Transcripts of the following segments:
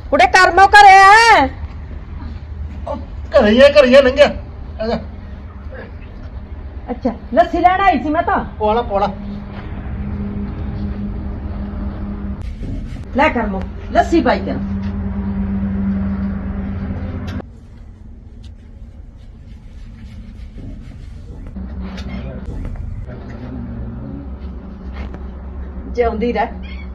ਕੁੜੇ ਕਰਮੋ ਘਰੇ ਆ ਘਰੇ ਲੰਘਿਆ ਆਜਾ ਅੱਛਾ ਲੱਸੀ ਲੈਣ ਆਈ ਸੀ ਮੈਂ ਤਾਂ ਪੋਲਾ ਲੈ ਕਰਮੋ ਲੱਸੀ ਪਾਈ ਕਰ ਜਿਉਂਦੀ ਰਹਿ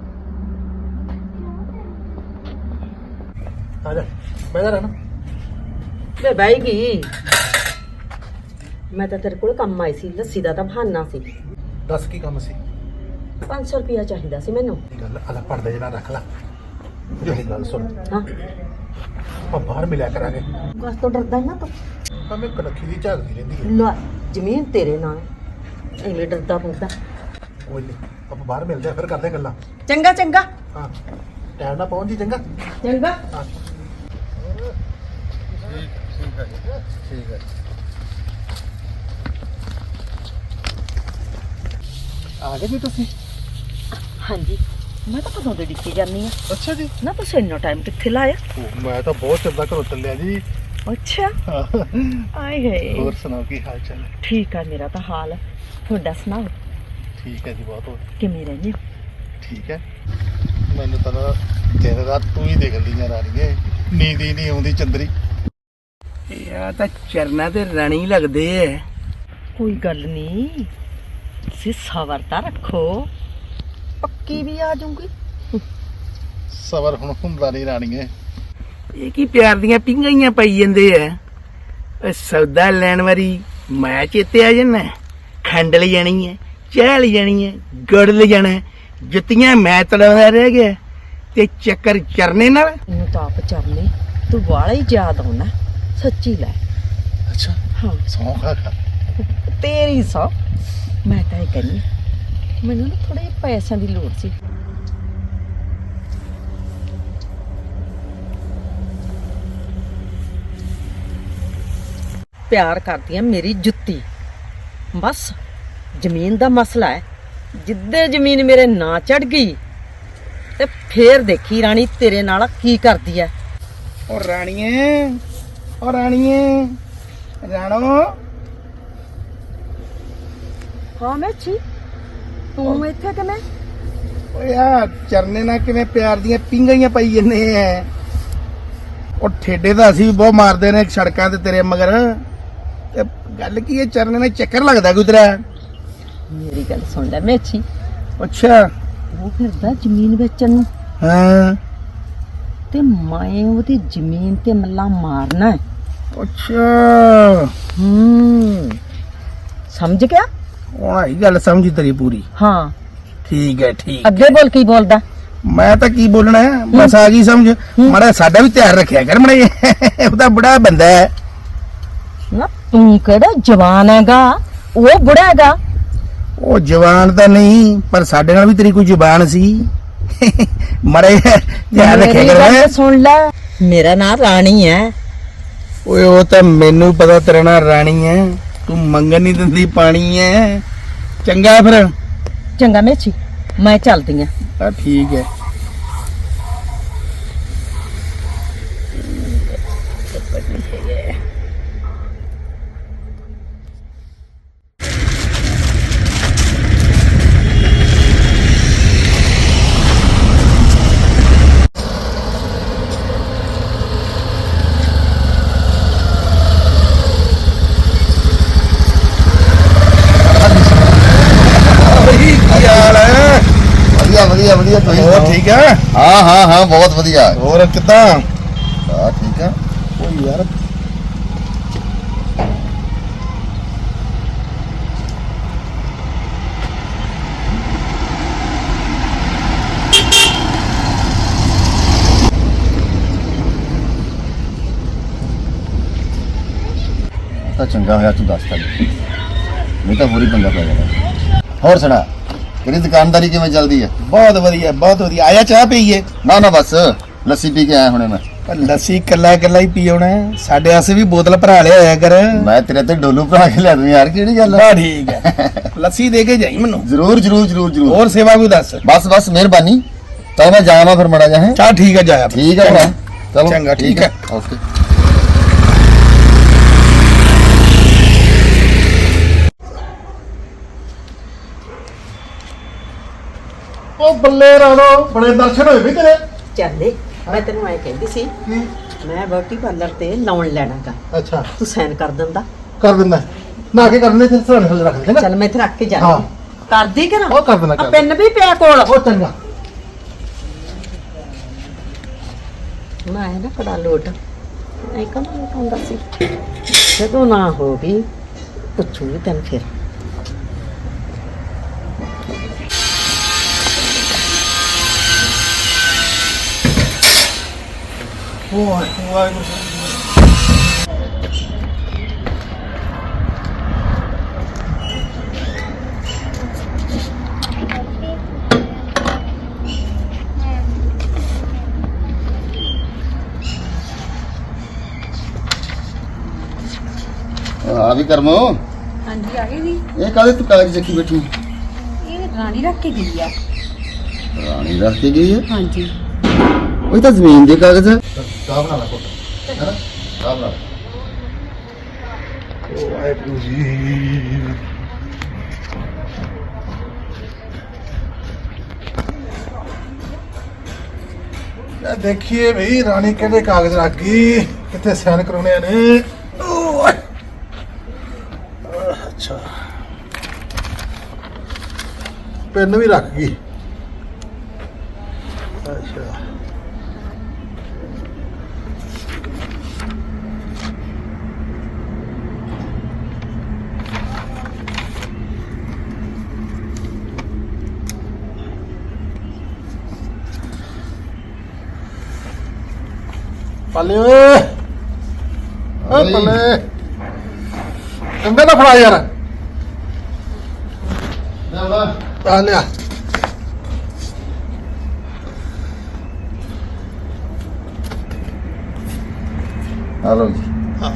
ਆਜਾ ਬੈਠਾ ਰਹਿਣਾ ਵੇ ਬਾਈ ਗਈ ਮੈਂ ਤਾਂ ਤੇਰੇ ਕੋਲ ਕੰਮ ਆਈ ਸੀ ਲੱਸੀ ਦਾ ਤਾਂ ਬਹਾਨਾ ਸੀ ਦੱਸ ਕੀ ਕੰਮ ਸੀ 500 ਰੁਪਇਆ ਚਾਹੀਦਾ ਸੀ ਮੈਨੂੰ ਇਹ ਗੱਲ ਅਲਾ ਪੜਦਾ ਜਿਹੜਾ ਰੱਖ ਲਾ ਜਿਹੜੀ ਗੱਲ ਸੁਣ ਹਾਂ ਆਪਾਂ ਬਾਹਰ ਮਿਲਿਆ ਕਰਾਂਗੇ ਬਸ ਤੋਂ ਡਰਦਾ ਨਾ ਤੂੰ ਤਾਂ ਮੈਂ ਕਨੱਖੀ ਦੀ ਝਾਕਦੀ ਰਹਿੰਦੀ ਹੈ ਲੈ ਜ਼ਮੀਨ ਤੇਰੇ ਨਾਲ ਐਵੇਂ ਡਰਦਾ ਪੈਂਦਾ ਕੋਈ ਨਹੀਂ ਆਪਾਂ ਬਾਹਰ ਮਿਲਦੇ ਆ ਫਿਰ ਕਰਦੇ ਗੱਲਾਂ ਚੰਗਾ ਚੰਗਾ ਹਾਂ ਟਾਈਮ ਨਾਲ ਪਹੁੰਚ ਜੀ ਚੰਗਾ ਚੰਗਾ ਹਾਂ ਠੀਕ ਹੈ ਆ ਗਏ ਜੀ ਤੁਸੀਂ ਹਾਂਜੀ ਮੈਂ ਤਾਂ ਕਦੋਂ ਦੇ ਡਿੱਕੀ ਜਾਂਦੀ ਆ ਅੱਛਾ ਜੀ ਨਾ ਤੁਸੀਂ ਇੰਨਾ ਟਾਈਮ ਕਿੱਥੇ ਲਾਇਆ ਮੈਂ ਤਾਂ ਬਹੁਤ ਚਿਰ ਦਾ ਘਰੋਂ ਚੱਲਿਆ ਜੀ ਅੱਛਾ ਆਏ ਗਏ ਹੋਰ ਸੁਣਾਓ ਕੀ ਹਾਲ ਚਾਲ ਹੈ ਠੀਕ ਆ ਮੇਰਾ ਤਾਂ ਹਾਲ ਤੁਹਾਡਾ ਸੁਣਾਓ ਠੀਕ ਹੈ ਜੀ ਬਹੁਤ ਵਧੀਆ ਕਿਵੇਂ ਰਹਿੰਦੇ ਹੋ ਠੀਕ ਹੈ ਮੈਨੂੰ ਤਾਂ ਨਾ ਦਿਨ ਰਾਤ ਤੂੰ ਹੀ ਦੇਖਦੀਆਂ ਰਾਣੀਏ ਨੀਂਦ ਹੀ ਨਹੀਂ ਆਉਂਦੀ ਚੰਦਰੀ ਯਾ ਤਾਂ ਚਰਨਾ ਤੇ ਰਾਣੀ ਲੱਗਦੇ ਐ ਕੋਈ ਗੱਲ ਨਹੀਂ ਤੁਸੀਂ ਸਬਰ ਤਾਂ ਰੱਖੋ ਪੱਕੀ ਵੀ ਆ ਜਾਊਗੀ ਸਬਰ ਹੁਣ ਹੁੰਦਾ ਨਹੀਂ ਰਾਣੀਏ ਇਹ ਕੀ ਪਿਆਰ ਦੀਆਂ ਪਿੰਗਾਈਆਂ ਪਾਈ ਜਾਂਦੇ ਐ ਓਏ ਸੌਦਾ ਲੈਣ ਵਾਰੀ ਮੈਂ ਚੇਤੇ ਆ ਜਾਣਾ ਖੰਡ ਲੈ ਜਾਣੀ ਐ ਚਾਹ ਲੈ ਜਾਣੀ ਐ ਗੁੜ ਲੈ ਜਾਣਾ ਜੁੱਤੀਆਂ ਮੈਂ ਤੜਾਉਂਦਾ ਰਹਿ ਗਿਆ ਤੇ ਚੱਕਰ ਚਰਨੇ ਨਾਲ ਮੈਨੂੰ ਤਾਂ ਆਪ ਚਰਨੇ ਤੂੰ ਵਾਲਾ ਹੀ ਯਾਦ ਆਉਣਾ ਸੱਚੀ ਲੈ ਅੱਛਾ ਹਾਂ ਸੌਂ ਖਾ ਤੇਰੀ ਸੌ ਮੈਂ ਤਾਂ ਇਹ ਕਹਿੰਦੀ ਮੈਨੂੰ ਨਾ ਥੋੜੇ ਪੈਸਿਆਂ ਦੀ ਲੋੜ ਸੀ ਪਿਆਰ ਕਰਦੀ ਆ ਮੇਰੀ ਜੁੱਤੀ ਬਸ ਜ਼ਮੀਨ ਦਾ ਮਸਲਾ ਹੈ ਜਿੱਦੇ ਜ਼ਮੀਨ ਮੇਰੇ ਨਾਂ ਚੜ ਗਈ ਤੇ ਫੇਰ ਦੇਖੀ ਰਾਣੀ ਤੇਰੇ ਨਾਲ ਕੀ ਕਰਦੀ ਐ ਓ ਰਾਣੀਏ ਰਾਣੋ ਹਾਂ ਮੈਚੀ ਤੂੰ ਇੱਥੇ ਕਿਵੇਂ ਓਏ ਆ ਚਰਨੇ ਨਾਲ ਕਿਵੇਂ ਪਿਆਰ ਦੀਆਂ ਪਿੰਗਾਈਆਂ ਪਾਈ ਜੰਨੇ ਐ ਉਹ ਠੇਡੇ ਤਾਂ ਅਸੀਂ ਵੀ ਬਹੁਤ ਮਾਰਦੇ ਨੇ ਸੜਕਾਂ ਤੇ ਤੇਰੇ ਮਗਰ ਤੇ ਗੱਲ ਕੀ ਹੈ ਚਰਨੇ ਨਾਲ ਚੱਕਰ ਲੱਗਦਾ ਕੋਈ ਤੇਰਾ ਮੇਰੀ ਗੱਲ ਸੁਣ ਲੈ ਮੈਚੀ ਅੱਛਾ ਉਹ ਫਿਰਦਾ ਜ਼ਮੀਨ ਵੇਚਣ ਨੂੰ ਹਾਂ ਤੇ ਮੈਂ ਉਹਦੀ ਜ਼ਮੀਨ ਤੇ ਮੱਲਾ ਮਾਰਨਾ ਹੈ ਅੱਛਾ ਸਮਝ ਗਿਆ ਹੁਣ ਆਈ ਗੱਲ ਸਮਝੀ ਤੇਰੀ ਪੂਰੀ ਹਾਂ ਠੀਕ ਹੈ ਠੀਕ ਅੱਗੇ ਬੋਲ ਕੀ ਬੋਲਦਾ ਮੈਂ ਤਾਂ ਕੀ ਬੋਲਣਾ ਹੈ ਬਸ ਆ ਗਈ ਸਮਝ ਮਾੜਾ ਸਾਡਾ ਵੀ ਧਿਆਨ ਰੱਖਿਆ ਕਰ ਮੜਾ ਉਹਦਾ ਬੁੜਾ ਬੰਦਾ ਹੈ ਨਾ ਤੂੰ ਕਿਹੜਾ ਜਵਾਨ ਹੈਗਾ ਉਹ ਬੁੜਾ ਹੈਗਾ ਉਹ ਜਵਾਨ ਤਾਂ ਨਹੀਂ ਪਰ ਸਾਡੇ ਨਾਲ ਵੀ ਤੇਰੀ ਕੋਈ ਜ਼ੁਬਾਨ ਸੀ ਮੜੇ ਧਿਆਨ ਰੱਖਿਆ ਮੇਰੀ ਗੱਲ ਕਰ ਸੁਣ ਲੈ ਮੇਰਾ ਨਾਮ ਰਾਣੀ ਹੈ ਓਏ ਉਹ ਤਾਂ ਮੈਨੂੰ ਪਤਾ ਤੇਰਾ ਨਾਂ ਰਾਣੀ ਹੈ ਤੂੰ ਮੰਗਣ ਨਹੀਂ ਦਿੰਦੀ ਪਾਣੀ ਹੈ ਚੰਗਾ ਫਿਰ ਚੰਗਾ ਮੇਚੀ ਮੈਂ ਚੱਲਦੀ ਆ ਆ ਠੀਕ ਹੈ ਵਧੀਆ ਤੁਸੀਂ ਹੋਰ ਸੁਣਾਓ? ਠੀਕ ਹੈ ਹਾਂ ਬਹੁਤ ਵਧੀਆ ਹੋਰ ਕਿੱਦਾਂ ਹਾਂ ਠੀਕ ਆ ਓ ਯਾਰ ਤਾਂ ਚੰਗਾ ਹੋਇਆ ਤੂੰ ਦੱਸਤਾ ਨਹੀਂ ਤਾਂ ਪੂਰੀ ਪੰਗਾ ਪੈ ਜਾਣਾ ਹੋਰ ਸੁਣਾ ਤੇਰੀ ਦੁਕਾਨਦਾਰੀ ਕਿਵੇਂ ਚੱਲਦੀ ਹੈ ਬਹੁਤ ਵਧੀਆ ਆਇਆ ਚਾਹ ਪੀਈਏ ਨਾ ਬਸ ਲੱਸੀ ਪੀ ਕੇ ਆਇਆ ਹੁਣੇ ਮੈਂ ਪਰ ਲੱਸੀ ਕੱਲਾ ਹੀ ਪੀ ਆਉਣਾ ਸਾਡੇ ਵਾਸਤੇ ਵੀ ਬੋਤਲ ਭਰਾ ਲਿਆ ਹੋਇਆ ਕਰ ਮੈਂ ਤੇਰੇ ਤੇ ਡੋਲੂ ਭਰਾ ਕੇ ਲੈ ਦੂੰ ਯਾਰ ਕਿਹੜੀ ਗੱਲ ਬਾ ਠੀਕ ਹੈ ਲੱਸੀ ਦੇ ਕੇ ਜਾਈ ਮੈਨੂੰ ਜ਼ਰੂਰ ਹੋਰ ਸੇਵਾ ਕੋਈ ਦੱਸ ਬਸ ਮਿਹਰਬਾਨੀ ਤਾਂ ਮੈਂ ਜਾਵਾਂ ਫਿਰ ਮੜਾ ਜਾ ਹੈ ਚਾਹ ਠੀਕ ਹੈ ਜਾਇਆ ਠੀਕ ਹੈ ਭਰਾ ਚਲੋ ਚੰਗਾ, ਠੀਕ ਹੈ। ਓਕੇ। ਉਹ ਬੱਲੇ ਰਾਣੋ, ਬੜੇ ਦਰਸ਼ਨ ਹੋਏ ਵੀ ਤੇਰੇ। ਚੱਲੇ ਮੈਂ ਤੈਨੂੰ ਐ ਕਹਿੰਦੀ ਸੀ ਕੀ? ਮੈਂ ਬਿਊਟੀ ਪਾਰਲਰ ਤੇ ਲਾਉਣ ਲੈਣਾਗਾ ਅੱਛਾ, ਤੂੰ ਸਾਈਨ ਕਰ ਦਿੰਦਾ ਕਰ ਦਿੰਦਾ। ਨਾ ਕੇ ਕਰਨੇ ਤੇ ਸਰਾਣੇ ਥੱਲੇ ਰੱਖ ਦੇ। ਚੱਲ ਮੈਂ ਇੱਥੇ ਰੱਖ ਕੇ ਹਾਂ। ਜਾਣੀ ਕਰਦੀ ਕਿ ਨਾ ਉਹ ਕਰ ਦੇਣਾ, ਕਰ ਆ ਪੈਨ ਵੀ ਪਿਆ ਕੋਲ ਉਹ ਚੰਗਾ। ਹੁਣ ਆਇਆ ਨਾ ਕੜਾ ਲੋਟ ਐ ਕੰਮ ਹੁੰਦਾ ਸੀ ਜਦੋਂ ਨਾ ਹੋ ਗਈ ਪੁੱਛੂਗੀ ਤੈਨੂੰ ਫਿਰ ਵਾਹਿਗੁਰੂ। ਆ ਵੀ ਕਰਮੋ, ਹਾਂਜੀ ਆ ਗਏ ਜੀ। ਇਹ ਕਾਹਦੇ ਤੂੰ ਕਾਗਜ਼ ਚੱਕੀ ਬੈਠੀ? ਇਹ ਰਾਣੀ ਰੱਖ ਕੇ ਗਈ ਆ। ਰਾਣੀ ਰੱਖ ਕੇ ਗਈ ਹੈ। ਹਾਂਜੀ ਉਹ ਤਾਂ ਜ਼ਮੀਨ ਦੇ ਕਾਗਜ਼ ਹੈ। ਚਾਹ ਬਣਾ ਲੈ ਪੁੱਤ, ਹੈ ਨਾ? ਚਾਹ ਬਣਾ ਲੈ। ਵਾਹਿਗੁਰੂ ਜੀ। ਇਹ ਦੇਖੀਏ ਭਈ ਰਾਣੀ ਕਿਹੜੇ ਕਾਗਜ਼ ਰੱਖ ਗਈ, ਕਿੱਥੇ ਸਾਈਨ ਕਰਾਉਣੇ ਨੇ। ਓਏ। ਅੱਛਾ, ਪੈਨ ਵੀ ਰੱਖ ਗਈ। ਅੱਛਾ, ਪੱਲੇ ਓਏ, ਓ ਪੱਲੇ ਕੰਬੇ ਦਾ ਫੜਾ ਯਾਰ। ਆ ਲਿਆ। ਹਲੋ ਜੀ,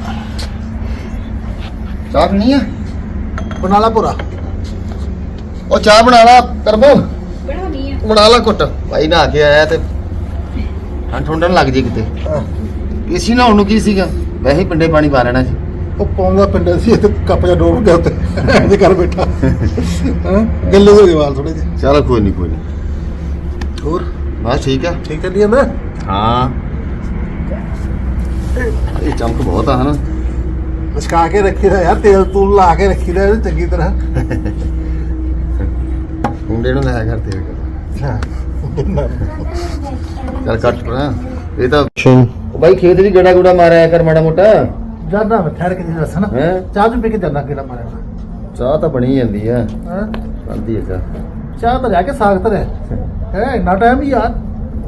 ਚਾਹ ਪੀਣੀ ਆ? ਬਣਾ ਲਾ ਪੂਰਾ। ਉਹ ਚਾਹ ਬਣਾ ਲਾ ਕਰਮੋ, ਬਣਾਉਣੀ ਆ। ਬਣਾ ਲਾ ਘੁੱਟ। ਭਾਈ ਨਹਾ ਕੇ ਆਇਆ ਤੇ ਠੰਡਣ ਲੱਗ ਜੇ ਕਿਤੇ। ਏਸੀ ਨਹਾਉਣ ਨੂੰ ਕੀ ਸੀਗਾ, ਵੈਸੇ ਹੀ ਪਿੰਡੇ ਪਾਣੀ ਪਾ ਲੈਣਾ ਸੀ। ਉਹ ਪਾਉਂਦਾ ਪਿੰਡ ਸੀ ਤੇ ਕੱਪ ਜਿਹਾ ਡੋਬ ਗਿਆ ਉੱਤੇ ਇਹਦੇ ਘਰ ਬੈਠਾ। ਹਾਂ, ਗੱਲੇ ਹੋ ਗਏ ਵਾਲ ਥੋੜੇ ਜਿਹੇ। ਚਲੋ ਕੋਈ ਨਹੀਂ, ਕੋਈ ਨਹੀਂ। ਹੋਰ ਬਸ ਠੀਕ ਆ। ਠੀਕ ਚੱਲੀ ਜਾਂਦਾ। ਹਾਂ, ਇਹ ਚਮਕ ਬਹੁਤ ਆ ਹਨਾ। ਮਸਕਾ ਕੇ ਰੱਖੀਦਾ ਯਾਰ, ਤੇਲ ਤੂਲ ਲਾ ਕੇ ਰੱਖੀਦਾ ਇਹਨੂੰ ਚੰਗੀ ਤਰ੍ਹਾਂ। ਮੁੰਡੇ ਨੂੰ ਲਾਇਆ ਕਰ ਤੇਲ ਕਰ। ਹਾਂ, ਚੱਲ ਕੱਟ ਪੜਾ। ਇਹ ਤਾਂ ਉਹ ਬਾਈ ਖੇਤ ਵੀ ਗੇੜਾ ਗੂੜਾ ਮਾਰਿਆ ਕਰ ਮਾੜਾ ਮੋਟਾ। ਜਾਨਾ ਮੈਂ ਠਹਿਰ ਕੇ ਜੀ ਦੱਸਣਾ। ਹੈਂ? ਚਾਹ ਚੁ ਪੀ ਕੇ ਜਾਨਾ ਕਿਹੜਾ ਮਾਰਿਆ। ਚਾਹ ਤਾਂ ਬਣੀ ਜਾਂਦੀ ਆ। ਹਾਂ, ਬਣਦੀ ਹੈ ਚਾਹ। ਚਾਹ ਤਾਂ ਲਿਆ ਕੇ ਸਾਗ ਧਰਿਆ ਹੈ। ਇੰਨਾ ਟਾਈਮ ਹੀ ਯਾਰ।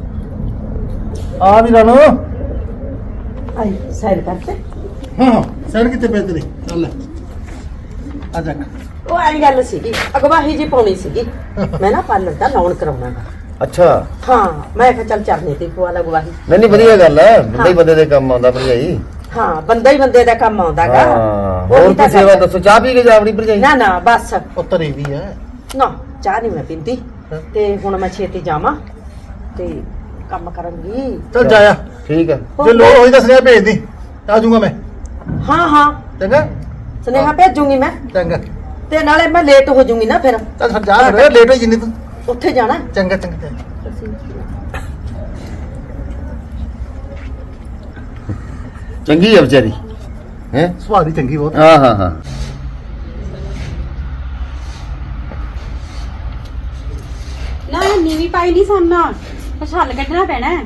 ਆ ਵੀ ਰਾਣੋ। ਆਈ ਸਾਈਨ ਕਰਤੇ ਹਾਂ, ਸੈਰ ਕਿੱਥੇ ਪੈ ਤੇਰੀ? ਚੱਲ ਆ ਜਾ। ਉਹ ਆਈ ਗੱਲ ਸੀਗੀ ਅਗਵਾਹੀ ਜੀ ਪਾਉਣੀ ਸੀਗੀ ਮੈਂ ਨਾ ਪਾਰਲਰ ਦਾ ਲਾਉਣ ਕਰਾਉਣਾਗਾ ਅੱਛਾ, ਹਾਂ ਮੈਂ ਕਿਹਾ ਚੱਲ ਚਰਨੇ ਤੇ ਪਵਾ ਲਾ ਗਵਾਹੀ ਨਹੀਂ ਵਧੀਆ ਗੱਲ ਹੈ। ਬੰਦਾ ਹੀ ਬੰਦੇ ਦੇ ਕੰਮ ਆਉਂਦਾ ਭਰਜਾਈ। ਹਾਂ ਬੰਦਾ ਹੀ ਬੰਦੇ ਦਾ ਕੰਮ ਆਉਂਦਾਗਾ ਹਾਂ, ਹੋਰ ਕੀ ਸੇਵਾ ਦੱਸੋ? ਚਾਹ ਪੀ ਕੇ ਜਾ ਆਪਣੀ ਭਰਜਾਈ। ਨਾ ਨਾ ਬਸ ਉਹ ਧਰੀ ਵੀ ਹੈ। ਨਾ ਚਾਹ ਨਹੀਂ ਮੈਂ ਪੀਂਦੀ ਤੇ ਹੁਣ ਮੈਂ ਛੇਤੀ ਜਾਵਾਂ ਤੇ ਕੰਮ ਕਰਾਂਗੀ। ਚੱਲ ਜਾਇਆ। ਠੀਕ ਹੈ। ਜੇ ਲੋੜ ਹੋਈ ਤਾਂ ਸੁਨੇਹਾ ਭੇਜ ਦੀ, ਆ ਜਾਊਂਗਾ ਮੈਂ। ਹਾਂ ਹਾਂ ਚੰਗਾ ਸੁਨੇਹਾ ਭੇਜੂਗੀ ਮੈਂ ਚੰਗਾ। ਤੇ ਨਾਲੇ ਮੈਂ ਲੇਟ ਹੋ ਜੂਗੀ ਨਾ ਫਿਰ ਚੱਲ ਫਿਰ ਜਾ, ਫਿਰ ਲੇਟ ਹੋਈ ਜਿੰਨੀ ਤੂੰ। ਉੱਥੇ ਜਾਣਾ ਚੰਗਾ ਚੰਗਾ। ਚੰਗੀ ਹੈ ਵਿਚਾਰੀ ਹੈ। ਸੁਭਾਅ ਦੀ ਚੰਗੀ ਬਹੁਤ। ਹਾਂ ਹਾਂ ਹਾਂ। ਨਾ ਨੀਵੀਂ ਪਾਈ ਨਹੀਂ ਸੋਨਾ, ਕੁਛ ਹੱਲ ਕੱਢਣਾ ਪੈਣਾ ਹੈ।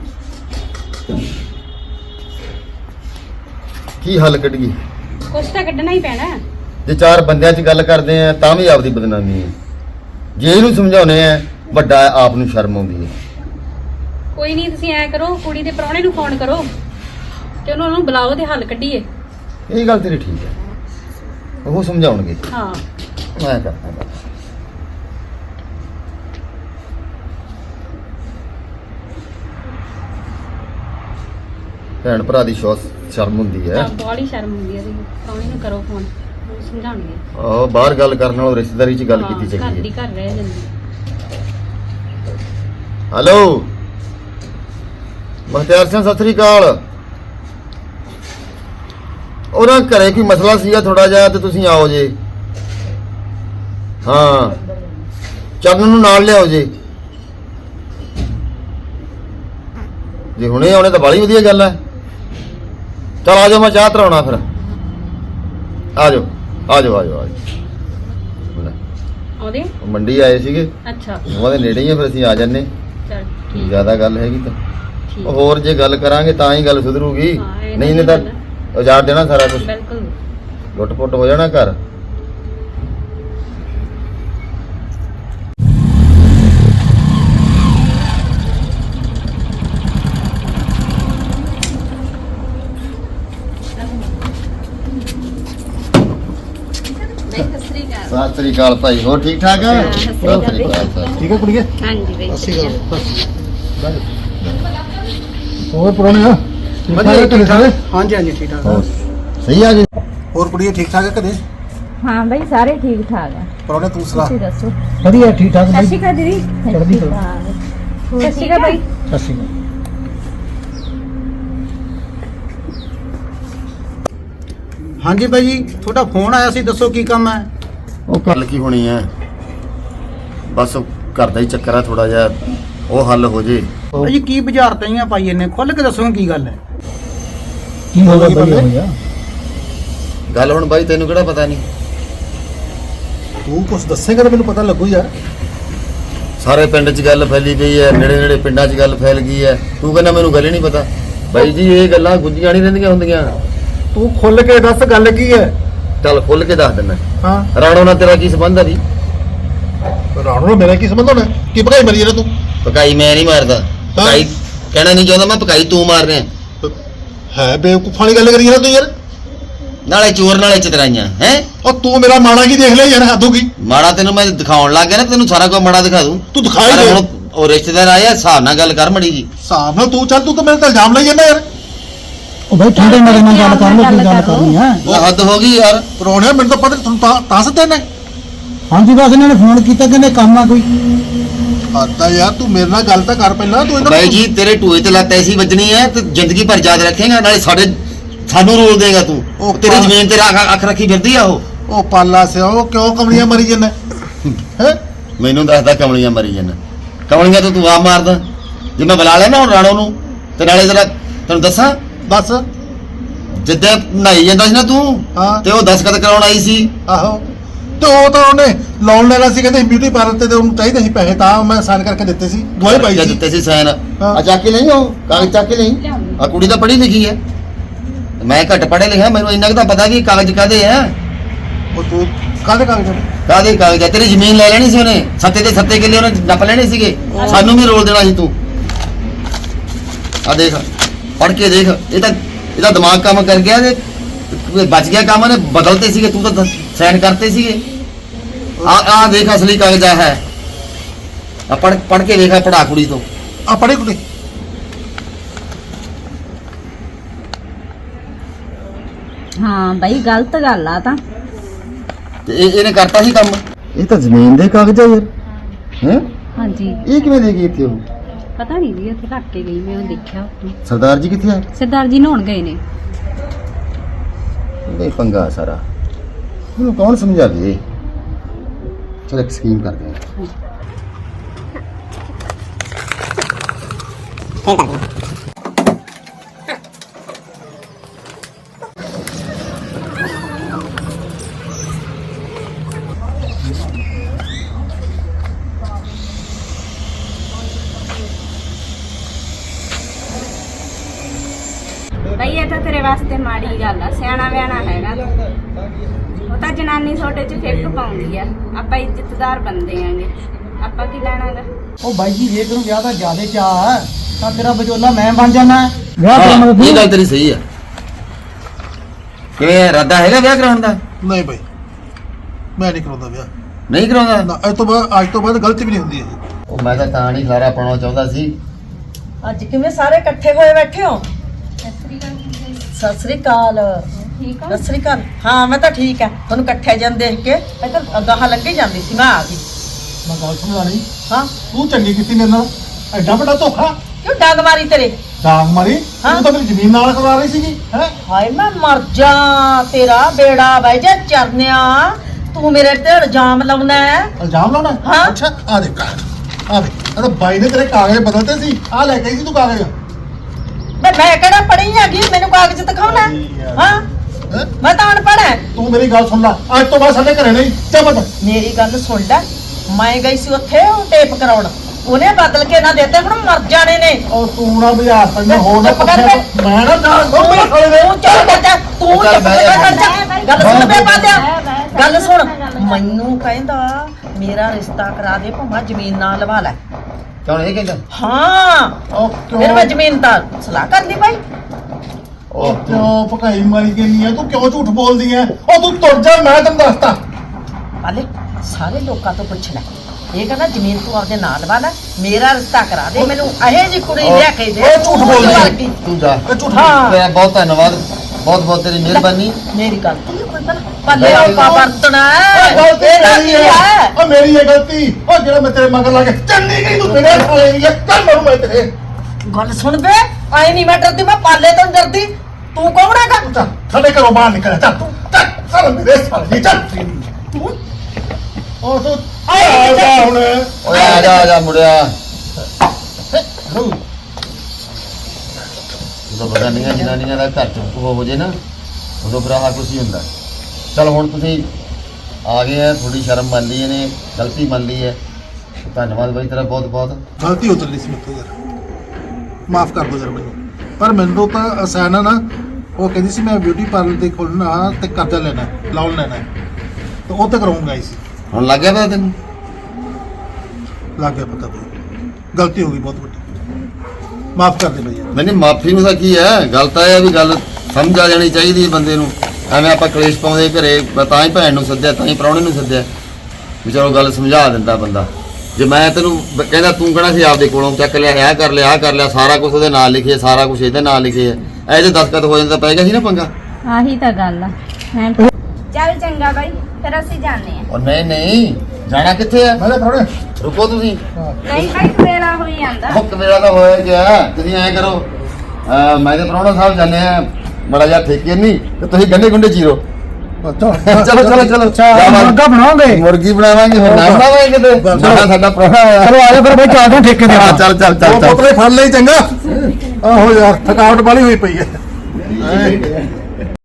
ਕੀ ਹੱਲ ਕੱਢੀਏ? ਕੁਛ ਤਾਂ ਕੱਢਣਾ ਹੀ ਪੈਣਾ ਹੈ। ਜੇ ਚਾਰ ਬੰਦਿਆਂ 'ਚ ਗੱਲ ਕਰਦੇ ਆ ਤਾਂ ਵੀ ਆਪਦੀ ਬਦਨਾਮੀ ਹੈ। ਜੇ ਇਹਨੂੰ ਸਮਝਾਉਣੇ ਆ ਵੱਡਾ ਆਪ ਨੂੰ ਸ਼ਰਮ ਆਉਂਦੀ ਹੈ। ਕੋਈ ਨਹੀਂ, ਤੁਸੀਂ ਐ ਕਰੋ, ਕੁੜੀ ਦੇ ਪ੍ਰਾਹੁਣੇ ਨੂੰ ਫੋਨ ਕਰੋ ਤੇ ਉਹਨਾਂ ਨੂੰ ਬੁਲਾਓ ਤੇ ਹੱਲ ਕੱਢੀਏ। ਇਹ ਗੱਲ ਤੇਰੀ ਠੀਕ ਹੈ, ਉਹ ਸਮਝਾਉਣਗੇ। ਹਾਂ ਮੈਂ ਕਰਦਾ ਗੱਲ। ਭੈਣ ਭਰਾ ਦੀ ਸ਼ਰਮ ਹੁੰਦੀ ਹੈ। ਤਾਂ ਬਾਹਲੀ ਸ਼ਰਮ ਹੁੰਦੀ ਹੈ। ਤੁਸੀਂ ਪ੍ਰਾਹੁਣੇ ਨੂੰ ਕਰੋ ਫੋਨ, ਉਹ ਸਮਝਾਉਣਗੇ। ਆਹੋ, ਬਾਹਰ ਗੱਲ ਕਰਨ ਨਾਲੋਂ ਰਿਸ਼ਤੇਦਾਰੀ 'ਚ ਗੱਲ ਹਾਂ, ਕੀਤੀ ਘਰ ਚੰਗੀ ਦੀ ਹੈ। ਘਰ ਰਹਿ ਜਾਂਦੀ। ਹੈਲੋ, ਮੁਖਤਿਆਰ ਸਿੰਘ ਸਤਿ ਸ੍ਰੀ ਅਕਾਲ। ਉਹਨਾਂ ਘਰੇ ਕੋਈ ਮਸਲਾ ਸੀਗਾ ਥੋੜਾ ਜਿਹਾ ਤੇ ਤੁਸੀਂ ਆਓ ਜੇ। ਹਾਂ ਚਰਨ ਨੂੰ ਨਾਲ ਲਿਆਓ ਜੇ। ਜੇ ਹੁਣੇ ਆਉਣੇ ਤਾਂ ਬੜੀ ਵਧੀਆ ਗੱਲ ਹੈ। ਚਲ ਆ ਜਾਓ, ਮੈਂ ਚਾਹ ਧਰਾਉਣਾ ਫਿਰ। ਆ ਜਾਓ ਆ ਜਾਓ ਆ ਜਾਓ ਆ ਜਾਓ। ਆਉਂਦੇ ਉਹ ਮੰਡੀ ਆਏ ਸੀਗੇ, ਅੱਛਾ ਉਹਨਾਂ ਦੇ ਨੇੜੇ ਹੀ ਆ, ਫਿਰ ਅਸੀਂ ਆ ਜੰਨੇ। ਚਲ ਠੀਕ ਜ਼ਿਆਦਾ ਗੱਲ ਹੈਗੀ ਤਾਂ ਠੀਕ ਉਹ ਹੋਰ ਜੇ ਗੱਲ ਕਰਾਂਗੇ ਤਾਂ ਹੀ ਗੱਲ ਸੁਧਰੂਗੀ। ਹਾਂ, ਇਹ ਨਹੀਂ ਤਾਂ ਤਾਂ ਗੱਲ ਉਜਾੜ ਦੇਣਾ ਸਾਰਾ ਕੁਝ, ਬਿਲਕੁਲ ਲੁੱਟ ਪੁੱਟ ਹੋ ਜਾਣਾ ਘਰ। ਸਤਿ ਸ੍ਰੀ ਅਕਾਲ ਭਾਈ, ਹੋਰ ਠੀਕ ਠਾਕ ਆ? ਸਤਿ ਸ੍ਰੀ ਅਕਾਲ। ਠੀਕ ਹੈ ਕੁੜੀਏ? ਹਾਂਜੀ ਬਈ ਹੋਰ ਪੁਰਾਣੇ ਆ ਵਧੀਆ ਠੀਕ ਠਾਕ। ਹਾਂਜੀ ਹਾਂਜੀ ਠੀਕ ਠਾਕ। ਹੋਰ ਸਹੀ ਆ ਜੀ? ਹੋਰ ਕੁੜੀਏ ਠੀਕ ਠਾਕ ਹੈ ਘਰੇ? ਹਾਂ ਬਈ ਸਾਰੇ ਠੀਕ ਠਾਕ ਆ। ਪੁਰਾਣੇ ਤੂੰ ਸੁਣਾ। ਤੁਸੀਂ ਦੱਸੋ। ਵਧੀਆ ਠੀਕ ਠਾਕ ਸਤਿ ਸ਼੍ਰੀ ਅਕਾਲ ਦੀਦੀ। ਚੜ੍ਹਦੀ ਕਲਾ। ਸਤਿ ਸ਼੍ਰੀ ਅਕਾਲ ਬਈ। ਸਤਿ ਸ਼੍ਰੀ ਅਕਾਲ। ਹਾਂਜੀ ਬਾਈ ਜੀ, ਤੁਹਾਡਾ ਫੋਨ ਆਇਆ ਸੀ, ਦੱਸੋ ਕੀ ਕੰਮ ਹੈ? ਉਹ ਗੱਲ ਕੀ ਹੋਣੀ ਹੈ, ਬਸ ਘਰ ਦਾ ਹੀ ਚੱਕਰ ਆ ਥੋੜਾ ਜਿਹਾ, ਉਹ ਹੱਲ ਹੋ ਜੇ। ਬਾਈ ਜੀ ਕੀ ਬਾਜ਼ਾਰ ਤਈਆਂ ਪਾਈ ਇਹਨੇ, ਖੁੱਲ ਕੇ ਦੱਸੋ ਕੀ ਗੱਲ ਹੈ? ਕੀ ਹੋ ਗਿਆ ਭਈਆ? ਗੱਲ ਹੁਣ ਬਾਈ ਤੈਨੂੰ ਕਿਹੜਾ ਪਤਾ ਨਹੀਂ? ਤੂੰ ਕੁਝ ਦੱਸੇਗਾ ਤਾਂ ਮੈਨੂੰ ਪਤਾ ਲੱਗੂ ਯਾਰ। ਸਾਰੇ ਪਿੰਡ 'ਚ ਗੱਲ ਫੈਲੀ ਪਈ ਹੈ, ਨੇੜੇ ਨੇੜੇ ਪਿੰਡਾਂ 'ਚ ਗੱਲ ਫੈਲ ਗਈ ਹੈ। ਤੂੰ ਕਹਿੰਦਾ ਮੈਨੂੰ ਗੱਲ ਹੀ ਨਹੀਂ ਪਤਾ। ਬਾਈ ਜੀ ਇਹ ਗੱਲਾਂ ਗੁੱਝੀਆਂ ਨਹੀਂ ਰਹਿੰਦੀਆਂ ਹੁੰਦੀਆਂ। ਤੂੰ ਖੁੱਲ ਕੇ ਦੱਸ ਗੱਲ ਕੀ ਹੈ। ਚੱਲ ਖੁੱਲ ਕੇ ਦੱਸ ਦਿੰਦਾ। ਹਾਂ ਰਾਣੋ ਨਾਲ ਤੇਰਾ ਕੀ ਸੰਬੰਧ ਆ ਜੀ? ਰਾਣੋ ਨਾਲ ਮੇਰਾ ਕੀ ਸੰਬੰਧ ਹੋਣਾ? ਕੀ ਭਗਾਈ ਮਰੀ ਜਾਂਦਾ ਤੂੰ? ਪਕਾਈ ਮੈਂ ਨਹੀਂ ਮਾਰਦਾ, ਪਕਾਈ ਕਹਿਣਾ ਨਹੀਂ ਚਾਹੁੰਦਾ ਮੈਂ, ਪਕਾਈ ਤੂੰ ਮਾਰ ਰਿਹਾ ਹੈ ਬੇਵਕੂਫਾਂ ਵਾਲੀ ਗੱਲ ਕਰੀ ਜਾਂਦਾ ਤੂੰ ਯਾਰ। ਨਾਲੇ ਚੋਰ ਨਾਲੇ ਚਤਰਾਈਆਂ ਹੈ। ਉਹ ਤੂੰ ਮੇਰਾ ਮਾੜਾ ਕੀ ਦੇਖ ਲਿਆ ਯਾਰ, ਹੱਦੋਂ ਕੀ? ਮਾੜਾ ਤੈਨੂੰ ਮੈਂ ਦਿਖਾਉਣ ਲੱਗ ਗਿਆ ਨਾ, ਤੈਨੂੰ ਸਾਰਾ ਕੁਝ ਮਾੜਾ ਦਿਖਾ ਦੂੰ। ਤੂੰ ਦਿਖਾਈ ਪਰ ਦੇ। ਹੁਣ ਉਹ ਰਿਸ਼ਤੇਦਾਰ ਆਇਆ, ਹਿਸਾਬ ਨਾਲ ਗੱਲ ਕਰ ਮੜੀ ਜੀ। ਹਿਸਾਬ ਨਾਲ ਤੂੰ ਚੱਲ, ਤੂੰ ਤਾਂ ਮੇਰੇ ਤੇ ਇਲਜ਼ਾਮ ਲਾਈ ਜਾਂਦਾ ਯਾਰ। ਉਹ ਬਾਈ ਠੰਡੇ ਨਾਲ ਨਾਲ ਗੱਲ ਕਰ ਲਓ, ਕੀ ਗੱਲ ਕਰਨੀ ਹੈ? ਉਹ ਹੱਦ ਹੋ ਗਈ ਯਾਰ। ਪਰੋਣਿਆ ਮੈਨੂੰ ਤਾਂ ਪਤਾ ਤੁਹਾਨੂੰ ਤਾਂ ਸੱਦੇ ਨੇ। ਹਾਂਜੀ ਬਸ ਇਹਨਾਂ ਨੇ ਫੋਨ ਕੀਤਾ, ਕਹਿੰਦੇ ਕੰਮ ਆ ਕੋਈ। ਆਤਾ ਯਾਰ ਤੂੰ ਮੇਰੇ ਨਾਲ ਗੱਲ ਤਾਂ ਕਰ ਪਹਿਲਾਂ। ਤੂੰ ਬਾਈ ਜੀ ਤੇਰੇ ਟੂਏ ਤੇ ਲੱਤ ਐਸੀ ਵੱਜਣੀ ਹੈ ਤੇ ਜ਼ਿੰਦਗੀ ਭਰ ਯਾਦ ਰੱਖੇਗਾ, ਨਾਲੇ ਸਾਨੂੰ ਰੋਲ ਦੇਗਾ ਤੂੰ। ਉਹ ਤੇਰੀ ਜ਼ਮੀਨ ਤੇ ਅੱਖ ਰੱਖੀ ਫਿਰਦੀ ਆ ਉਹ ਪਾਲਾ ਸਿਆ, ਉਹ ਕਿਉਂ ਕਮਲੀਆਂ ਮਰੀ ਜਾਂਦਾ ਹੈ? ਮੈਨੂੰ ਦੱਸਦਾ ਕਮਲੀਆਂ ਮਰੀ ਜਾਂਦਾ। ਕਮਲੀਆਂ ਤੋਂ ਤੂੰ ਆ ਮਾਰਦਾ। ਜੇ ਮੈਂ ਬੁਲਾ ਲਿਆ ਨਾ ਹੁਣ ਰਾਣੋ ਨੂੰ, ਤੇ ਨਾਲੇ ਜਰਾ ਤੈਨੂੰ ਦੱਸਾਂ, ਦੱਸ। ਜਿੱਦਾਂ ਨਹਾਈ ਜਾਂਦਾ ਸੀ ਨਾ ਤੂੰ, ਹਾਂ। ਤੇ ਉਹ ਦਸਖਤ ਕਰਾਉਣ ਆਈ ਸੀ। ਆਹੋ ਤੇ ਉਹ ਤਾਂ ਉਹਨੇ ਲੋਨ ਲੈਣਾ ਸੀ, ਕਹਿੰਦੇ ਬਿਊਟੀ ਪਾਰਲਰ ਤੇ ਉਹਨੂੰ ਚਾਹੀਦੇ ਸੀ ਪੈਸੇ, ਤਾਂ ਮੈਂ ਸਾਈਨ ਕਰਕੇ ਦਿੱਤੇ ਸੀ, ਦਵਾਈ ਪਾਈ ਸੀ। ਦਿੱਤੇ ਸੀ ਸਾਈਨ। ਹਾਂ। ਆ ਚੱਕ ਕੇ ਨਹੀਂ, ਉਹ ਕਾਗਜ਼ ਚੱਕ ਕੇ ਨਹੀਂ। ਆ ਕੁੜੀ ਤਾਂ ਪੜ੍ਹੀ ਲਿਖੀ ਹੈ, ਮੈਂ ਘੱਟ ਪੜ੍ਹਿਆ ਲਿਖਿਆ, ਮੈਨੂੰ ਇੰਨਾ ਕੁ ਤਾਂ ਪਤਾ ਵੀ ਕਾਗਜ਼ ਕਾਦੇ ਆ। ਉਹ ਤੂੰ ਕਾਹਦੇ ਕਾਗਜ਼? ਕਾਦੇ ਕਾਗਜ਼ ਆ? ਤੇਰੀ ਜ਼ਮੀਨ ਲੈ ਲੈਣੀ ਸੀ ਉਹਨੇ, ਸੱਤੇ ਦੇ ਸੱਤੇ ਕਿੱਲੇ ਉਹਨੇ ਨੱਪ ਲੈਣੇ ਸੀਗੇ, ਸਾਨੂੰ ਵੀ ਰੋਲ ਦੇਣਾ ਸੀ ਤੂੰ। ਆ ਦੇਖ, ਪੜ੍ਹ ਕੇ ਦੇਖ, ਇਹਦਾ ਦਿਮਾਗ ਕੰਮ ਕਰ ਗਿਆ ਤੇ ਬਚ ਗਿਆ ਕੰਮ। ਉਹਨੇ ਬਦਲਤੇ ਸੀਗੇ, ਤੂੰ ਤਾਂ ਸਾਈਨ ਕਰਤੇ ਸੀਗੇ। ਆ ਦੇਖ ਅਸਲੀ ਕਾਗਜ਼ ਆ ਹੈ। ਆ ਪੜ੍ਹ ਕੇ ਵੇਖਾ, ਪੜਾ ਕੁੜੀ ਤੋਂ। ਆ ਪੜ੍ਹੀ ਕੁੜੀ। ਹਾਂ ਬਈ ਗਲਤ ਗੱਲ ਆ ਤਾਂ। ਤੇ ਇਹਨੇ ਕਰਤਾ ਸੀ ਕੰਮ। ਇਹ ਤਾਂ ਜ਼ਮੀਨ ਦੇ ਕਾਗਜ਼ ਆ ਯਾਰ। ਹੈ ਹਾਂਜੀ ਇਹ ਕਿਵੇਂ ਦੇ ਗਈ ਇੱਥੇ? ਉਹ ਪਤਾ ਨਹੀਂ ਜੀ, ਉੱਥੇ ਰੱਖ ਕੇ ਗਈ ਮੈਂ, ਉਹ ਦੇਖਿਆ ਉੱਥੇ। ਸਰਦਾਰ ਜੀ ਕਿੱਥੇ ਆ? ਸਰਦਾਰ ਜੀ ਨਹਾਉਣ ਗਏ ਨੇ। ਇਹ ਪੰਗਾ ਸਾਰਾ, ਇਹਨੂੰ ਕੌਣ ਸਮਝਾਵੇ? ਚਲ ਇੱਕ ਸਕੀਮ ਕਰਦੇ ਆ। ਬਈ ਇਹ ਤਾਂ ਤੇਰੇ ਵਾਸਤੇ ਮਾੜੀ ਗੱਲ ਆ, ਸਿਆਣਾ ਵਿਆਣਾ ਹੈਗਾ ਤੂੰ। ਉਹ ਤਾਂ ਜਨਾਨੀ ਛੋਟੇ 'ਚ ਫਿੱਕ ਪਾਉਂਦੀ ਆ, ਆਪਾਂ ਇੱਜ਼ਤਦਾਰ ਬੰਦੇ ਆਂਗੇ, ਆਪਾਂ ਕੀ ਲੈਣਾਗਾ। ਉਹ ਬਾਈ ਜੀ ਜੇ ਤੈਨੂੰ ਵਿਆਹ ਦਾ ਜ਼ਿਆਦੇ ਚਾਹ ਹੈ ਤਾਂ ਤੇਰਾ ਵਿਚੋਲਾ ਮੈਂ ਬਣ ਜਾਣਾ। ਵਿਆਹ ਹਾਂ, ਕਰਾਉਣ ਇਹ ਦਾ ਗੱਲ ਤੇਰੀ ਸਹੀ ਆ। ਕਿਵੇਂ ਇਰਾਦਾ ਹੈਗਾ ਵਿਆਹ ਕਰਾਉਣ ਦਾ? ਨਹੀਂ ਭਾਈ, ਮੈਂ ਨਹੀਂ ਕਰਾਉਂਦਾ ਵਿਆਹ। ਨਹੀਂ ਕਰਾਉਂਦਾ? ਨਾ, ਅੱਜ ਤੋਂ ਬਾਅਦ ਗਲਤੀ ਵੀ ਨਹੀਂ ਹੁੰਦੀ ਇਹ। ਉਹ ਮੈਂ ਤਾਂ ਨਹੀਂ ਖਲਾਰਾ ਪਾਉਣਾ ਚਾਹੁੰਦਾ ਸੀ। ਅੱਜ ਕਿਵੇਂ ਸਾਰੇ ਇਕੱਠੇ ਹੋਏ ਬੈਠੇ ਹੋ? ਸਤਿ ਸ੍ਰੀ ਅਕਾਲ। ਠੀਕ ਆ। ਸਤਿ ਸ੍ਰੀ ਅਕਾਲ। ਹਾਂ ਮੈਂ ਤਾਂ ਠੀਕ ਆ। ਤੁਹਾਨੂੰ ਇਕੱਠੇ ਜਨ ਦੇਖ ਕੇ ਮੈਂ ਤਾਂ ਅਗਾਹਾਂ ਲੱਗੇ ਜਾਂਦੀ ਸੀ, ਮੈਂ ਆ ਗਈ। ਮੈਂ ਗੱਲ ਸਮਝਾ ਲਈ। ਹਾਂ ਤੂੰ ਚੰਗੀ ਕੀਤੀ ਮੇਰੇ ਨਾਲ, ਐਡਾ ਵੱਡਾ ਧੋਖਾ। ਕਿਉਂ ਡਾਂਗ ਮਾਰੀ ਤੇਰੇ? ਡਾਂਗ ਮਾਰੀ ਹਾਂ। ਤੂੰ ਤਾਂ ਮੇਰੀ ਜ਼ਮੀਨ ਨਾਲ ਕਰਵਾ ਰਹੀ ਸੀਗੀ ਹੈ ਹਾਏ ਮੈਂ ਮਰ ਜਾ, ਤੇਰਾ ਬੇੜਾ ਬਹਿ ਜਾ ਚਰਨਿਆ, ਤੂੰ ਮੇਰੇ ਤੇ ਇਲਜ਼ਾਮ ਲਾਉਣਾ ਹੈ। ਇਲਜ਼ਾਮ ਲਾਉਣਾ? ਹਾਂ। ਅੱਛਾ ਆ ਦੇ ਆ ਦੇ ਆ ਤਾਂ ਬਾਈ ਨੇ ਤੇਰੇ ਕਾਗਜ਼ ਬਦਲਤੇ ਸੀ, ਆ ਲੈ ਕੇ ਆਈ ਸੀ ਤੂੰ ਕਾਗਜ਼। ਮੈਂ ਕਿਹੜਾ ਪੜ੍ਹੀ ਹੈਗੀ, ਮੈਨੂੰ ਕਾਗਜ਼ ਦਿਖਾਉਣਾ ਹੈ? ਹਾਂ ਹੈਂ? ਮੈਂ ਤਾਂ ਅਨਪੜ੍ਹ ਹੈ। ਤੂੰ ਮੇਰੀ ਗੱਲ ਸੁਣ ਲੈ, ਅੱਜ ਤੋਂ ਬਾਅਦ ਸਾਡੇ ਘਰੇ ਨਹੀਂ ਚੱਲ। ਮੇਰੀ ਗੱਲ ਸੁਣ ਲੈ, ਮੈਂ ਗਈ ਸੀ ਉੱਥੇ ਉਹ ਟੇਪ ਕਰਾਉਣ, ਉਹਨੇ ਬਦਲ ਕੇ ਨਾ ਦਿੱਤੇ, ਹੁਣ ਮਰ ਜਾਣੇ ਨੇ। ਉਹ ਤੂੰ ਨਾ ਬਾਜ਼ਾਰ ਤੈਨੂੰ ਹੋਰ ਨਾ ਚੁੱਪ ਕਰ ਪੁੱਛਿਆ ਬੇ। ਮੈਂ ਨਾ ਡਾਂਗ ਖੋਲ ਮੇਰੇ ਸਾਲੇ ਦੇ। ਤੂੰ ਚੱਲ ਕਰ ਜਾ, ਤੂੰ ਚੱਲ ਚੁੱਪ ਬਹਿ ਜਾ। ਕਰ ਜਾ। ਗੱਲ ਸੁਣ ਬੇ ਪਾਦਿਆ, ਗੱਲ ਸੁਣ। ਗੱਲ ਮੈਨੂੰ ਕਹਿੰਦਾ ਮੇਰਾ ਰਿਸ਼ਤਾ ਕਰਾ ਦੇ, ਭਾਵੇਂ ਜ਼ਮੀਨ ਨਾ ਲਵਾ ਲੈ। ਕੌਣ ਇਹ ਕਹਿੰਦਾ? ਹਾਂ ਉਹ ਫਿਰ ਮੈਂ ਜ਼ਮੀਨ ਤਾਂ ਸਲਾਹ ਕਰ ਲਈ ਭਾਈ। ਉਹ ਕਿਉਂ ਭਕਾਈ ਮਾਰੀ ਗਈ ਹੈ, ਤੂੰ ਕਿਉਂ ਝੂਠ ਬੋਲਦੀ ਹੈ? ਉਹ ਤੂੰ ਤੁਰ ਜਾ, ਮੈਂ ਤੈਨੂੰ ਦੱਸਤਾ। ਪਾਲੇ ਸਾਰੇ ਲੋਕਾਂ ਤੋਂ ਪੁੱਛ ਲੈ, ਇਹ ਕਹਿੰਦਾ ਜ਼ਮੀਨ ਤੂੰ ਆਪਦੇ ਨਾਂ ਲਵਾ ਲੈ, ਮੇਰਾ ਰਿਸ਼ਤਾ ਕਰਾ ਦੇ, ਮੈਨੂੰ ਇਹੋ ਜਿਹੀ ਕੁੜੀ ਲਿਆ ਕੇ ਦੇ। ਉਹ ਝੂਠ ਬੋਲਦੀ ਹੈ। ਵਰਗੀ। ਤੂੰ ਜਾ। ਇਹ ਝੂਠ ਹਾਂ ਤੇਰਾ ਬਹੁਤ ਧੰਨਵਾਦ, ਬਹੁਤ ਬਹੁਤ ਤੇਰੀ ਮਿਹਰਬਾਨੀ। ਮੇਰੀ ਗਲਤੀ ਹੈ ਕੋਈ ਭਲਾ? ਪਾਲੇ ਉਹ ਵਰਤਣਾ ਹੈ, ਗਲਤੀ ਇਹਦਾ ਮੇਰੀ ਕੀ ਹੈ, ਹੈ? ਉਹ ਮੇਰੀ ਹੈ ਗਲਤੀ। ਉਹ ਜਿਹੜਾ ਮੈਂ ਤੇਰੇ ਮਗਰ ਲਾ ਕੇ ਚੰਨੀ ਗਈ, ਤੂੰ ਮੇਰੇ ਸਾਲੇ ਦੀ ਹੈ, ਚੱਲ ਮਰੂ ਮੈਂ ਤੇਰੇ। ਗੱਲ ਸੁਣ ਬੇ, ਆਈ ਨਹੀਂ ਮੈਂ ਡਰਦੀ, ਮੈਂ ਪਾਲੇ ਤੋਂ ਨੀ ਡਰਦੀ। ਤੂੰ ਕੌਣ ਹੈਗਾ? ਚੱਲ ਸਾਡੇ ਘਰੋਂ ਬਾਹਰ ਨਿਕਲ ਚੱਲ ਤੂੰ, ਚੱਲ ਮੇਰੇ ਸਾਲੇ ਦੀ ਚੱਲ। ਉਹ ਤੂੰ ਆ ਜਾ ਹੁਣ। ਓਏ ਆ ਜਾ ਮੁੜਿਆ। ਜਦੋਂ ਬਗਾਨੀਆਂ ਜਨਾਨੀਆਂ ਦਾ ਘਰ ਚ ਹੋ ਜੇ ਨਾ, ਉਦੋਂ ਫਿਰ ਆਹ ਕੁਛ ਹੀ ਹੁੰਦਾ। ਚਲ ਹੁਣ ਤੁਸੀਂ ਆ ਗਏ ਆ, ਥੋੜੀ ਸ਼ਰਮ ਮੰਨ ਲਈ ਇਹਨੇ, ਗਲਤੀ ਮੰਨ ਲਈ ਹੈ। ਧੰਨਵਾਦ ਬਾਈ ਤੇਰਾ ਬਹੁਤ ਬਹੁਤ। ਗਲਤੀ ਉਤਰ ਲਈ ਸੀ ਮੇਰੇ ਤੋਂ ਯਾਰ, ਮਾਫ ਕਰ ਦੋ ਯਾਰ ਮੈਨੂੰ। ਪਰ ਮੈਨੂੰ ਤਾਂ ਅਸਾਨਾ ਨਾ, ਉਹ ਕਹਿੰਦੀ ਸੀ ਮੈਂ ਬਿਊਟੀ ਪਾਰਲਰ ਤੇ ਖੋਲਣਾ ਤੇ ਕਰਜ਼ਾ ਲੈਣਾ, ਲੋਨ ਲੈਣਾ, ਤੇ ਉਹ ਤੇ ਕਰਾਉਂਗਾ ਹੀ ਸੀ। ਹੁਣ ਲੱਗ ਗਿਆ ਪਤਾ ਤੈਨੂੰ? ਲੱਗ ਗਿਆ ਪਤਾ ਤੈਨੂੰ, ਗਲਤੀ ਹੋ ਗਈ ਬਹੁਤ ਵੱਡੀ, ਮਾਫ ਕਰ ਦੇ ਬਈ ਯਾਰ। ਨਹੀਂ ਮਾਫੀ ਨੂੰ ਤਾਂ ਕੀ ਹੈ, ਗੱਲ ਤਾਂ ਇਹ ਹੈ ਵੀ ਗੱਲ ਸਮਝ ਆ ਜਾਣੀ ਚਾਹੀਦੀ ਹੈ ਬੰਦੇ ਨੂੰ। ਐਵੇਂ ਆਪਾਂ ਕਲੇਸ਼ ਪਾਉਂਦੇ ਘਰੇ, ਮੈਂ ਤਾਂ ਹੀ ਭੈਣ ਨੂੰ ਸੱਦਿਆ, ਤਾਂ ਹੀ ਪ੍ਰਾਹੁਣੇ ਨੂੰ ਸੱਦਿਆ ਵੀ ਚਲੋ ਗੱਲ ਸਮਝਾ ਦਿੰਦਾ ਬੰਦਾ। ਜੇ ਮੈਂ ਤੈਨੂੰ ਕਹਿੰਦਾ, ਤੂੰ ਕਹਿਣਾ ਸੀ ਆਪਦੇ ਕੋਲੋਂ ਚੱਕ ਲਿਆ, ਆਹ ਕਰ ਲਿਆ, ਆਹ ਕਰ ਲਿਆ, ਸਾਰਾ ਕੁਝ ਉਹਦੇ ਨਾਲ ਲਿਖਿਆ, ਸਾਰਾ ਕੁਝ ਇਹਦੇ ਨਾਲ ਲਿਖਿਆ, ਇਹ ਜੇ ਦਸਤਖਤ ਹੋ ਜਾਂਦਾ ਪੈ ਗਿਆ ਸੀ ਨਾ ਪੰਗਾ। ਆਹੀ ਤਾਂ ਗੱਲ ਆ। ਚੱਲ ਚੰਗਾ ਬਾਈ, ਫਿਰ ਅਸੀਂ ਜਾਂਦੇ ਆ। ਉਹ ਨਹੀਂ ਜਾਣਾ ਕਿੱਥੇ ਆ? ਮੈਂ ਥੋੜੇ ਰੁਕੋ ਤੁਸੀਂ। ਨਹੀਂ ਬਾਈ, ਵੇਲਾ ਹੋਈ ਜਾਂਦਾ। ਹੁੱਕ ਮੇਰਾ ਤਾਂ ਹੋਇਆ ਗਿਆ। ਤੁਸੀਂ ਐਂ ਕਰੋ, ਮੈਂ ਤੇ ਪ੍ਰਾਹੁਣਾ ਸਾਹਿਬ ਜਾਂਦੇ ਆ ਬੜਾ ਜਿਹਾ ਠੇਕੇ ਨਹੀਂ, ਤੇ ਤੁਸੀਂ ਗੰਢੇ ਗੁੰਡੇ ਚੀਰੋ। ਚਲੋ ਮੁਰਗਾ ਬਣਾਓਗੇ? ਮੁਰਗੀ ਬਣਾਵਾਂਗੇ, ਹੋਰ ਨਾ ਬਣਾਵਾਂਗੇ ਕਿਤੇ। ਸਾਡਾ ਪ੍ਰਾਹੁਣਾ ਆਇਆ। ਚਲੋ ਆ ਜਾ ਫਿਰ ਬਈ, ਚੱਲਦੇ ਠੇਕੇ ਦੇ। ਚੱਲ ਉਹ ਪੁੱਤਰੇ ਫੜ ਲਈ ਚੰਗਾ। ਆਹੋ ਯਾਰ ਥਕਾਵਟ ਵਾਲੀ ਹੋਈ ਪਈ ਹੈ।